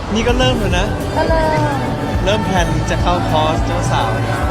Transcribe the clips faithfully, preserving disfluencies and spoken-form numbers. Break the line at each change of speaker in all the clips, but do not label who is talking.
นี่ก็เริ่มแล้วนะ
ก็เริ่ม
เริ่มแพลนจะเข้าคอร์สเจ้าสาว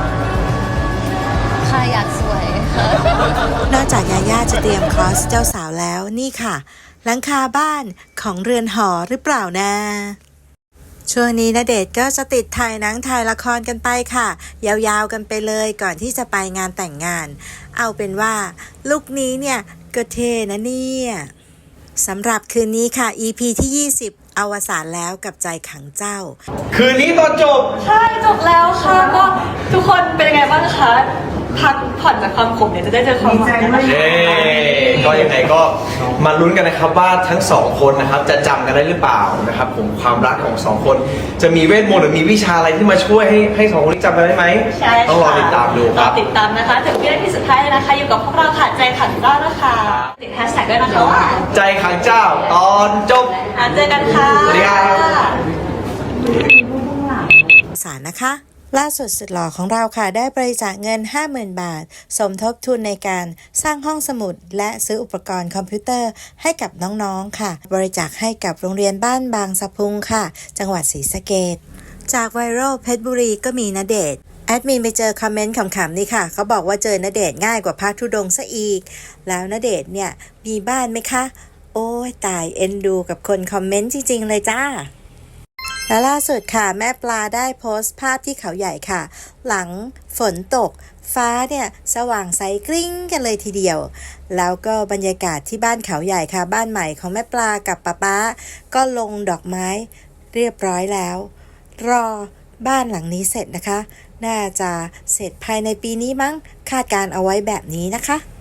ค่ะอยากสวยค่ะ
นอกจากยาย่าจะเตรียมคอร์สเจ้าสาวแล้วนี่ค่ะหลังคาบ้านของเรือนหอหรือเปล่านะช่วงนี้ณเดชน์ก็จะติดถ่ายหนังถ่ายละครกันไปค่ะ ยาวๆกันไปเลยก่อนที่จะไปงานแต่งงาน เอาเป็นว่าลุคนี้เนี่ยก็เท่นะเนี่ยสำหรับคืนนี้ค่ะ อี พี ที่ ยี่สิบ อวสานแล้วกับใจขังเจ้า
คืนนี้ตอนจบ
ใช่จบแล้วค่ะก็ทุกคนเป็นยังไงบ้างคะพักผ่อนจากความขมเนี่ยจะได้เจอความหวานกันไหม
เย้ก็ยังไงก็มาลุ้นกันนะครับว่าทั้งสองคนนะครับจะจำกันได้หรือเปล่านะครับผมความรักของสองคนจะมีเวทมนต์หรือมีวิชาอะไรที่มาช่วยให้ให้สองคนนี้จำกันได้ไหม
ใช่ค่ะ
ต้องรอติดตามดูค
ร
รั
อบ ติดตามนะคะถึงวินาทีสุดท้ายเลยนะคะอยู่กับพวกเราค่ะใจขันเจ้านะคะติดแฮชแท็กด้วยนะคะว่า
ใจขังเจ้าตอนจบ
อ่ะเจอกันค่ะ
สวัสดีครับ
สารนะคะล่าสุดสุดหล่อของเราค่ะได้บริจาคเงิน ห้าหมื่น บาท สมทบทุนในการสร้างห้องสมุดและซื้ออุปกรณ์คอมพิวเตอร์ให้กับน้องๆค่ะ บริจาคให้กับโรงเรียนบ้านบางสะพุงค่ะ จังหวัดศรีสะเกษจากไวรัลเพชรบุรีก็มีณเดชน์แอดมินไปเจอคอมเมนต์ขำๆนี่ค่ะเขาบอกว่าเจอณเดชน์ง่ายกว่าพระธุดงค์ซะอีกแล้วณเดชน์เนี่ยมีบ้านไหมคะโอ้ยตายเอ็นดูกับคนคอมเมนต์จริงๆเลยจ้าและล่าสุดค่ะแม่ปลาได้โพสต์ภาพที่เขาใหญ่ค่ะหลังฝนตกฟ้าเนี่ยสว่างใสกริ้งกันเลยทีเดียวแล้วก็บรรยากาศที่บ้านเขาใหญ่ค่ะบ้านใหม่ของแม่ปลากับป๊าป๊าก็ลงดอกไม้เรียบร้อยแล้วรอบ้านหลังนี้เสร็จนะคะน่าจะเสร็จภายในปีนี้มั้งคาดการเอาไว้แบบนี้นะคะ